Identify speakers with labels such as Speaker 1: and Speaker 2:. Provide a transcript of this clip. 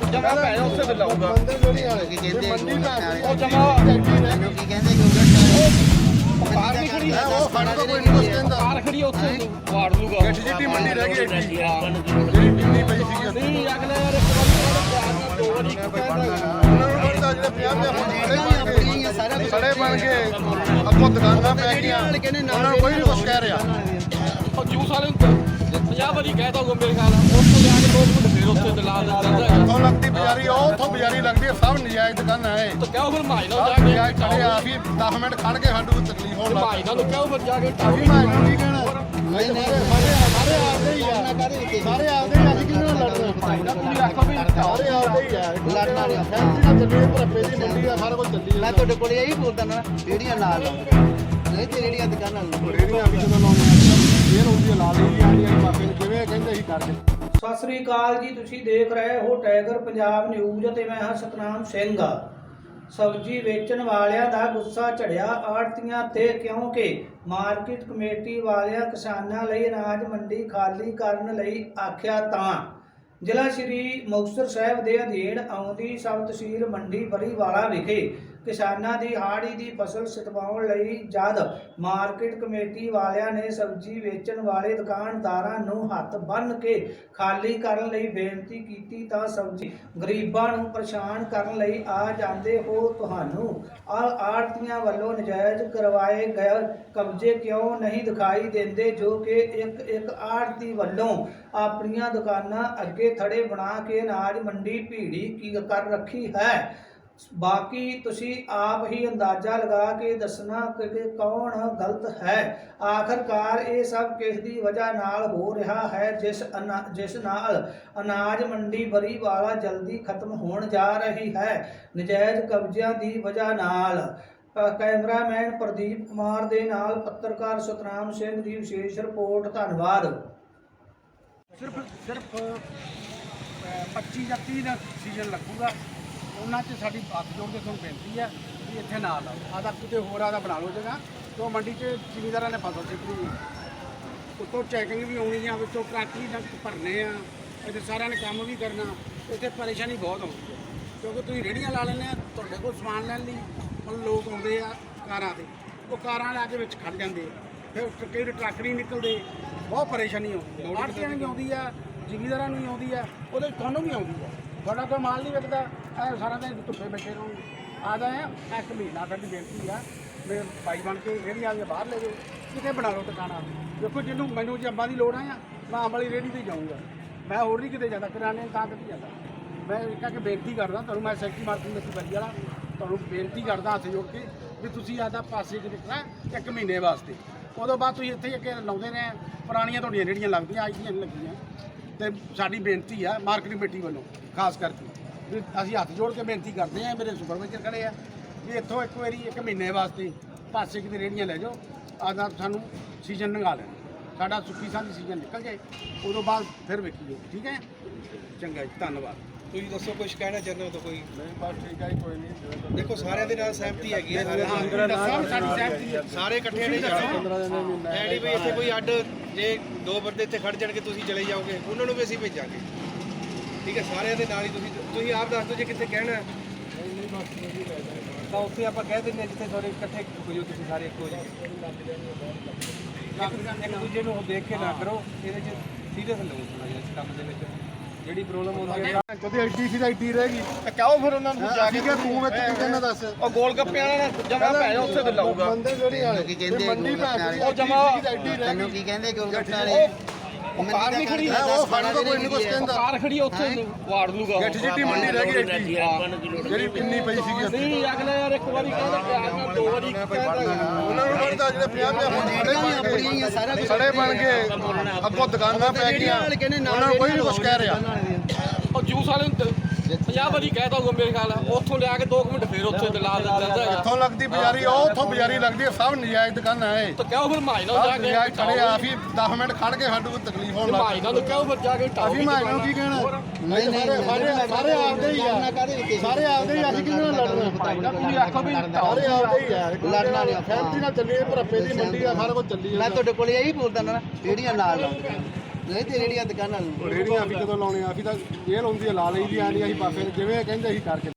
Speaker 1: ਜਮਾ ਪੈ ਜਾ ਉੱਥੇ ਤੇ ਲਾਊਗਾ
Speaker 2: ਬੰਦੇ ਜਿਹੜੀ ਵਾਲੇ
Speaker 3: ਕੀ ਕਹਿੰਦੇ
Speaker 1: ਉਹ ਜਮਾ
Speaker 3: ਮੈਨੂੰ ਕੀ ਕਹਿੰਦੇ ਯੋਗਰਟ
Speaker 1: ਕਾਰ ਨਹੀਂ ਖੜੀ
Speaker 2: ਉਹ ਫੜ ਤੋਂ ਕੋਈ ਨਹੀਂ ਕੁਛ ਕਹਿੰਦਾ
Speaker 1: ਕਾਰ ਖੜੀ ਉੱਥੇ ਵਾੜ ਲੂਗਾ
Speaker 2: ਗੱਠ ਜਿੱਡੀ ਮੰਡੀ ਰਹਿ ਗਈ ਐਡੀ ਜਿਹੜੀ ਪਿੰਨੀ ਪਈ ਸੀਗੀ ਉੱਥੇ।
Speaker 1: ਨਹੀਂ ਅਗਲੇ ਯਾਰ ਇੱਕ ਵਾਰੀ ਦੋ ਵਾਰੀ
Speaker 2: ਉਹਨਾਂ ਨੂੰ ਪਤਾ ਜਿਹੜੇ 50 ਸੜੇ ਬਣ ਗਏ ਅੱਗੋਂ ਦੁਕਾਨਾਂ ਪੈ ਗਈਆਂ ਉਹਨਾਂ ਨੂੰ ਕੋਈ ਨਹੀਂ ਕੁਛ ਕਹਿ ਰਿਹਾ।
Speaker 1: ਉਹ ਜੂਸ ਵਾਲੇ ਨੂੰ 50 ਵਾਰੀ ਕਹਿ ਦੋਗੇ ਮੇਰੇ ਖਿਆਲ ਉੱਥੋਂ ਲਿਆ ਕੇ 2 ਮਿੰਟ ਫੇਰ ਉੱਥੇ ਤੇ ਲਾ ਦਿੰਦਾ
Speaker 2: ਉੱਥੋਂ ਲੱਗਦੀ ਬਜ਼ਾਰੀ ਉਹ ਉੱਥੋਂ ਬਜ਼ਾਰੀ ਲੱਗਦੀ ਸਭ ਨਜਾਇਜ਼ ਦੁਕਾਨਾਂ ਹੈ
Speaker 1: ਤਾਂ ਕਹੋ ਫਿਰ ਮਾਈ ਨਾਲ
Speaker 2: ਸਭ
Speaker 1: ਜਾ ਕੇ
Speaker 2: ਨਜਾਇਜ਼ ਖੜੇ ਆ ਵੀ 10 ਮਿੰਟ ਖੜ ਕੇ ਸਾਨੂੰ ਤਕਲੀਫ ਹੋਣ ਲੱਗ
Speaker 1: ਮਾਈ ਨਾਲ ਕਹੋ ਫਿਰ ਜਾ ਕੇ
Speaker 2: ਪਈ। ਭਾਈ ਨੂੰ ਕੀ ਕਹਿਣਾ ਨਹੀਂ ਸਾਰੇ ਆਪਦੇ ਹੀ ਆ ਸਾਰੇ ਆਪਦੇ ਹੀ ਅਸੀਂ ਕਿਹਨਾਂ ਨਾਲ ਲੜਨਾ
Speaker 1: ਤੁਸੀਂ ਆਖੋ ਵੀ
Speaker 2: ਸਾਰੇ ਆਪਦੇ ਹੀ ਆ ਲੜਨਾ ਨਹੀਂ ਫੈਕਟਰੀ ਨਾਲ ਚੱਲੀ ਭਰਪੇ ਦੀ ਮੰਡੀ ਆ ਸਾਰਾ ਕੁਝ ਚੱਲੀ
Speaker 3: ਮੈਂ ਤੁਹਾਡੇ ਕੋਲ ਇਹੀ ਬੋਲਦਾ ਨਾ ਰੇੜੀਆਂ ਨਾਲ ਨਹੀਂ ਤੇ ਰੇੜੀਆਂ ਦੁਕਾਨਾਂ
Speaker 2: ਰੇੜੀਆਂ ਵੀ ਜਦੋਂ ਲਾਉਂਦੇ ਆ ਫੇਰ ਹੁੰਦੀ ਆ ਲਾ ਲਈ ਆਂਡੀਆਂ ਬਾਬੇ ਨੂੰ ਜਿਵੇਂ ਕਹਿੰਦੇ ਸੀ ਕਰਦੇ।
Speaker 4: ਸਤਿ ਸ੍ਰੀ ਅਕਾਲ ਜੀ, ਤੁਸੀਂ ਦੇਖ ਰਹੇ ਹੋ ਟਾਈਗਰ ਪੰਜਾਬ ਨਿਊਜ਼ ਅਤੇ ਮੈਂ ਹਾਂ ਸਤਨਾਮ ਸਿੰਘ। ਸਬਜ਼ੀ ਵੇਚਣ ਵਾਲਿਆਂ ਦਾ ਗੁੱਸਾ ਝੜਿਆ ਆੜ੍ਹਤੀਆਂ ਤੇ ਕਿਉਂਕਿ ਮਾਰਕੀਟ ਕਮੇਟੀ ਵਾਲਿਆਂ ਕਿਸਾਨਾਂ ਲਈ ਅਨਾਜ ਮੰਡੀ ਖਾਲੀ ਕਰਨ ਲਈ ਆਖਿਆ ਤਾਂ ਜ਼ਿਲ੍ਹਾ ਸ਼੍ਰੀ ਮੁਕਤਸਰ ਸਾਹਿਬ ਦੇ ਅਧੀਨ ਆਉਂਦੀ ਸਬ ਤਹਿਸੀਲ ਮੰਡੀ ਬਰੀਵਾਲਾ ਵਿਖੇ ਕਿਸਾਨਾਂ ਦੀ ਹਾੜੀ ਦੀ ਫਸਲ ਸਤਵਾਉਣ ਲਈ ਜਦ ਮਾਰਕੀਟ ਕਮੇਟੀ ਵਾਲਿਆਂ ਨੇ ਸਬਜ਼ੀ ਵੇਚਣ ਵਾਲੇ ਦੁਕਾਨਦਾਰਾਂ ਨੂੰ ਹੱਥ ਬੰਨ੍ਹ ਕੇ ਖਾਲੀ ਕਰਨ ਲਈ ਬੇਨਤੀ ਕੀਤੀ ਤਾਂ ਸਬਜ਼ੀ ਗਰੀਬਾਂ ਨੂੰ ਪਰੇਸ਼ਾਨ ਕਰਨ ਲਈ ਆ ਜਾਂਦੇ ਹੋ ਤੁਹਾਨੂੰ ਆੜ੍ਹਤੀਆਂ ਵੱਲੋਂ ਨਜਾਇਜ਼ ਕਰਵਾਏ ਗਏ ਕਬਜ਼ੇ ਕਿਉਂ ਨਹੀਂ ਦਿਖਾਈ ਦਿੰਦੇ ਜੋ ਕਿ ਇੱਕ ਆੜ੍ਹਤੀ ਵੱਲੋਂ ਆਪਣੀਆਂ ਦੁਕਾਨਾਂ ਅੱਗੇ ਥੜੇ ਬਣਾ ਕੇ ਅਨਾਜ ਮੰਡੀ ਭੀੜੀ ਕਰ ਰੱਖੀ ਹੈ। ਬਾਕੀ ਤੁਸੀਂ ਆਪ ਹੀ ਅੰਦਾਜ਼ਾ ਲਗਾ ਕੇ ਦੱਸਣਾ ਕਿ ਕੌਣ ਗਲਤ ਹੈ। ਆਖਰਕਾਰ ਇਹ ਸਭ ਕਿਸ ਦੀ ਵਜ੍ਹਾ ਨਾਲ ਹੋ ਰਿਹਾ ਹੈ ਜਿਸ ਨਾਲ ਅਨਾਜ ਮੰਡੀ ਬਰੀਵਾਲਾ ਜਲਦੀ ਖਤਮ ਹੋਣ ਜਾ ਰਹੀ ਹੈ ਨਜਾਇਜ਼ ਕਬਜ਼ਿਆਂ ਦੀ ਵਜ੍ਹਾ ਨਾਲ। ਕੈਮਰਾਮੈਨ ਪ੍ਰਦੀਪ ਕੁਮਾਰ ਦੇ ਨਾਲ ਪੱਤਰਕਾਰ ਸਤਨਾਮ ਸਿੰਘ ਦੀ ਵਿਸ਼ੇਸ਼ ਰਿਪੋਰਟ। ਧੰਨਵਾਦ।
Speaker 5: ਸਿਰਫ 25 ਜਾਂ 30 ਦਾ ਸੀਜ਼ਨ ਲੱਗੂਗਾ ਉਹਨਾਂ 'ਚ ਸਾਡੀ ਹੱਥ ਜੋੜ ਕੇ ਤੁਹਾਨੂੰ ਬੇਨਤੀ ਹੈ ਵੀ ਇੱਥੇ ਨਾ ਲਾਓ ਆਦਾ ਕਿਤੇ ਹੋਰ ਆਦਾ ਬਣਾ ਲਓ ਜਗ੍ਹਾ ਕਿਉਂ ਮੰਡੀ 'ਚ ਜ਼ਿਮੀਂਦਾਰਾਂ ਨੇ ਫਸਲ ਸਿੱਟਣੀ ਹੈ ਉੱਤੋਂ ਚੈਕਿੰਗ ਵੀ ਆਉਣੀ ਆ ਵਿੱਚੋਂ ਟਰੱਕ ਵੀ ਭਰਨੇ ਆ ਇੱਥੇ ਸਾਰਿਆਂ ਨੇ ਕੰਮ ਵੀ ਕਰਨਾ ਇੱਥੇ ਪਰੇਸ਼ਾਨੀ ਬਹੁਤ ਆਉਂਦੀ ਹੈ ਕਿਉਂਕਿ ਤੁਸੀਂ ਰੇਹੜੀਆਂ ਲਾ ਲੈਂਦੇ ਆ ਤੁਹਾਡੇ ਕੋਲ ਸਮਾਨ ਲੈਣ ਲਈ ਹੁਣ ਲੋਕ ਆਉਂਦੇ ਆ ਕਾਰਾਂ 'ਤੇ ਉਹ ਕਾਰਾਂ ਲਾ ਕੇ ਵਿੱਚ ਖੜ ਜਾਂਦੇ ਆ ਫਿਰ ਕਈ ਟਰੱਕ ਨਹੀਂ ਨਿਕਲਦੇ ਬਹੁਤ ਪਰੇਸ਼ਾਨੀ ਆਉਂਦੀ ਹੈ ਆੜ੍ਹਤੀਆਂ ਨੂੰ ਵੀ ਆਉਂਦੀ ਆ ਜ਼ਿਮੀਂਦਾਰਾਂ ਨੂੰ ਵੀ ਆਉਂਦੀ ਆ ਉਹਦੇ ਤੁਹਾਨੂੰ ਵੀ ਆਉਂਦੀ ਆ ਤੁਹਾਡਾ ਕੋਈ ਮਾਲ ਨਹੀਂ ਵਿਕਦਾ ਐ ਸਾਰਾ ਦਿਨ ਧੁੱਪੇ ਬੈਠੇ ਰਹੋ ਆਦਾ ਹੈ ਇੱਕ ਮਹੀਨਾ ਸਾਡੀ ਬੇਨਤੀ ਆ ਮੇਰੇ ਭਾਈ ਬਣ ਕੇ ਰੇਹੜੀਆਂ ਦੀਆਂ ਬਾਹਰ ਲੈ ਜਾਓ ਕਿਤੇ ਬਣਾ ਲਓ ਦੁਕਾਨਾਂ ਦੇਖੋ ਜਿਹਨੂੰ ਮੈਨੂੰ ਜੇ ਅੰਬਾਂ ਦੀ ਲੋੜ ਆ ਮੈਂ ਅੰਬ ਵਾਲੀ ਰੇਹੜੀ 'ਤੇ ਜਾਊਂਗਾ ਮੈਂ ਹੋਰ ਨਹੀਂ ਕਿਤੇ ਜਾਂਦਾ ਕਿਰਾਣੇ ਤਾਂ ਕਿਤੇ ਜਾਂਦਾ ਮੈਂ ਇੱਕ ਆ ਕੇ ਬੇਨਤੀ ਕਰਦਾ ਤੁਹਾਨੂੰ ਮੈਂ ਸੈਕਟਰੀ ਮਾਰਕੀਟ ਵਿੱਚ ਬਰੀ ਵਾਲਾ ਤੁਹਾਨੂੰ ਬੇਨਤੀ ਕਰਦਾ ਹੱਥ ਜੋੜ ਕੇ ਵੀ ਤੁਸੀਂ ਆਦਾ ਪਾਸੇ 'ਚ ਨਿਕਲਣਾ 1 ਮਹੀਨੇ ਵਾਸਤੇ ਉਦੋਂ ਬਾਅਦ ਤੁਸੀਂ ਇੱਥੇ ਅੱਗੇ ਲਾਉਂਦੇ ਨੇ ਪੁਰਾਣੀਆਂ ਤੁਹਾਡੀਆਂ ਰੇਹੜੀਆਂ ਲੱਗਦੀਆਂ ਅੱਜ ਦੀਆਂ ਨਹੀਂ ਲੱਗੀਆਂ ਤੇ ਸਾਡੀ ਬੇਨਤੀ ਆ ਮਾਰਕੀਟ ਕਮੇਟੀ ਵੱਲੋਂ ਖਾਸ ਕਰਕੇ ਵੀ ਅਸੀਂ ਹੱਥ ਜੋੜ ਕੇ ਬੇਨਤੀ ਕਰਦੇ ਆ ਮੇਰੇ ਸੁਪਰਵਾਈਜ਼ਰ ਖੜੇ ਆ ਵੀ ਇੱਥੋਂ ਇੱਕ ਵਾਰੀ 1 ਮਹੀਨੇ ਵਾਸਤੇ ਪਾਸੇ ਕਿਤੇ ਰੇਹੜੀਆਂ ਲੈ ਜਾਓ ਆਦਾ ਸਾਨੂੰ ਸੀਜ਼ਨ ਲੰਘਾ ਲੈਣ ਸਾਡਾ ਸੁੱਕੀ ਸਾਂਝੀ ਸੀਜ਼ਨ ਨਿਕਲ ਜਾਏ ਉਦੋਂ ਬਾਅਦ ਫਿਰ ਵੇਖੀ ਜਾਓ ਠੀਕ ਹੈ ਚੰਗਾ ਜੀ ਧੰਨਵਾਦ।
Speaker 6: ਤੁਸੀਂ ਦੱਸੋ ਕੁਝ ਕਹਿਣਾ ਚਾਹੁੰਦੇ ਹੋ ਤਾਂ ਕੋਈ
Speaker 2: ਨਹੀਂ ਬਸ ਠੀਕ ਹੈ ਕੋਈ ਨਹੀਂ
Speaker 6: ਦੇਖੋ ਸਾਰਿਆਂ ਦੇ ਨਾਲ ਸਹਿਮਤੀ ਹੈਗੀ ਹੈ
Speaker 5: ਸਾਡੀ ਸਹਿਮਤੀ ਹੈ
Speaker 6: ਸਾਰੇ ਇਕੱਠੇ ਨਹੀਂ ਜਾਣਾ
Speaker 2: 15 ਦਿਨ ਦੇ ਮਹੀਨਾ
Speaker 6: ਐਡੀ ਵੀ ਇੱਥੇ ਕੋਈ ਅੱਡ ਜੇ 2 ਬੰਦੇ ਇੱਥੇ ਖੜ ਜਾਣਗੇ ਤੁਸੀਂ ਚਲੇ ਜਾਓਗੇ ਉਹਨਾਂ ਨੂੰ ਵੀ ਅਸੀਂ ਭੇਜਾਂਗੇ ਠੀਕ ਹੈ ਸਾਰਿਆਂ ਦੇ ਨਾਲ ਹੀ ਤੁਸੀਂ ਆਪ ਦੱਸ ਦਿਓ ਜੇ ਕਿੱਥੇ ਕਹਿਣਾ ਹੈ। ਤਾਂ ਉੱਥੇ ਆਪਾਂ ਕਹਿ ਦਿੰਦੇ ਜਿੱਥੇ ਸਾਰੇ ਇਕੱਠੇ ਹੋ ਜਾਓ ਤੁਸੀਂ ਸਾਰੇ ਇੱਕੋ ਜਿਹੇ ਇੱਕ ਦੂਜੇ ਨੂੰ ਦੇਖ ਕੇ ਨਾ ਕਰੋ ਇਹਦੇ 'ਚ ਸੀਰੀਅਸ ਲਓ ਥੋੜ੍ਹਾ ਜਿਹਾ ਇਸ ਕੰਮ ਦੇ ਵਿੱਚ ਜਿਹੜੀ ਪ੍ਰੋਬਲਮ ਆਉਂਦੀ ਹੈ
Speaker 2: ਕਦੇ ਐਡੀ ਸੀ ਤਾਂ ਐਡੀ ਰਹਿ ਗਈ ਕਹੋ ਫਿਰ ਉਹਨਾਂ ਨੂੰ ਜਾ ਕੇ ਤੂੰ ਵਿੱਚ ਕੀ ਕਹਿਣਾ ਦੱਸ
Speaker 1: ਉਹ ਗੋਲ ਗੱਪੇ ਵਾਲਾ ਨਾ ਜਮਾ ਪੈ ਜਾ ਉੱਥੇ ਤੇ ਲਾਊਗਾ
Speaker 2: ਬੰਦੇ ਜਿਹੜੀ ਵਾਲੇ
Speaker 3: ਕੀ ਕਹਿੰਦੇ
Speaker 2: ਮੰਡੀ ਭਾਵੇਂ
Speaker 1: ਉਹ ਜਮਾ
Speaker 2: ਐਡੀ ਰਹਿ
Speaker 3: ਮੈਨੂੰ
Speaker 2: ਗਈ
Speaker 3: ਕੀ ਕਹਿੰਦੇ ਯੋਗਰਟ ਵਾਲੇ
Speaker 1: ਕਾਰ ਨਹੀਂ ਖੜੀ
Speaker 2: ਉਹ ਫੜ ਤੋਂ ਕੋਈ ਨਹੀਂ ਕੁਛ ਕਹਿੰਦਾ
Speaker 1: ਕਾਰ ਖੜੀ ਉੱਥੇ ਵਾੜ ਲੂਗਾ
Speaker 2: ਗੱਠ ਜਿੱਡੀ ਮੰਡੀ ਰਹਿ ਗਈ ਐਡੀ ਜਿਹੜੀ ਪਿੰਨੀ ਪਈ ਸੀਗੀ ਉੱਥੇ।
Speaker 1: ਨਹੀਂ ਅਗਲੇ ਯਾਰ ਇੱਕ ਵਾਰੀ ਕਹਿੰਦਾ ਪਿਆਰ ਨਾਲ 2 ਵਾਰੀ
Speaker 2: ਉਹਨਾਂ ਨੂੰ ਪਤਾ ਜਿਹੜੇ 50
Speaker 3: ਆਪਣੀਆਂ ਹੀ ਆ ਸਾਰਾ ਕੁਝ
Speaker 2: ਸੜੇ ਬਣ ਗਏ ਅੱਗੋਂ ਦੁਕਾਨਾਂ ਪੈ ਗਈਆਂ ਉਹਨਾਂ ਨੂੰ ਕੋਈ ਨਹੀਂ ਕੁਛ ਕਹਿ ਰਿਹਾ।
Speaker 1: ਉਹ ਜੂਸ ਵਾਲੇ ਨੂੰ 50 ਵਾਰੀ ਕਹਿ ਦੋਗੇ ਮੇਰੇ ਖਿਆਲ ਉੱਥੋਂ ਲਿਆ ਕੇ 2 ਮਿੰਟ ਫੇਰ ਉੱਥੇ ਤੇ ਲਾ ਦਿੰਦਾ
Speaker 2: ਇੱਥੋਂ ਲੱਗਦੀ ਬਜ਼ਾਰੀ ਉਹ ਉੱਥੋਂ ਬਜ਼ਾਰੀ ਲੱਗਦੀ ਸਭ ਨਜਾਇਜ਼ ਦੁਕਾਨਾਂ ਹੈ
Speaker 1: ਤਾਂ ਕਹੋ ਫਿਰ ਮਾਈ ਨਾਲ ਜਾ
Speaker 2: ਸਭ
Speaker 1: ਕੇ
Speaker 2: ਨਜਾਇਜ਼ ਖੜੇ ਆ ਵੀ 10 ਮਿੰਟ ਖੜ ਕੇ ਸਾਨੂੰ ਤਕਲੀਫ ਹੋਣ ਲੱਗ
Speaker 1: ਮਾਈ ਨਾਲ ਕਹੋ ਫਿਰ ਜਾ ਕੇ
Speaker 2: ਅਸੀਂ ਮਾਈ ਨੂੰ ਕੀ ਕਹਿਣਾ ਨਹੀਂ ਸਾਰੇ ਆਪਦੇ ਹੀ ਆ ਸਾਰੇ ਆਪਦੇ ਹੀ ਅਸੀਂ ਕਿਹਨਾਂ ਨਾਲ ਲੜਨਾ
Speaker 1: ਤੁਸੀਂ ਆਖੋ ਵੀ
Speaker 2: ਸਾਰੇ ਆਪਦੇ ਹੀ ਆ ਲੜਨਾ ਨਹੀਂ ਫੈਕਟਰੀ ਨਾਲ ਚੱਲੀ ਭਰਪੇ ਦੀ ਮੰਡੀ ਆ ਸਾਰਾ ਕੁਝ ਚੱਲੀ
Speaker 3: ਮੈਂ ਤੁਹਾਡੇ ਕੋਲ ਇਹੀ ਬੋਲਦਾ ਨਾ ਰੇੜੀਆਂ ਨਾਲ ਨਹੀਂ ਤੇ ਰੇੜੀਆਂ ਦੁਕਾਨਾਂ ਨੂੰ
Speaker 5: ਰੇੜੀਆਂ ਅਸੀਂ ਕਦੋਂ ਲਾਉਣੇ ਆ? ਅਸੀਂ ਤਾਂ ਜੇਲ੍ਹ ਹੁੰਦੀ ਆ ਲਾ ਲਈ ਦੀ ਆ ਨਹੀਂ ਅਸੀਂ ਬਾਫੇ ਜਿਵੇਂ ਕਹਿੰਦੇ ਅਸੀਂ ਕਰਕੇ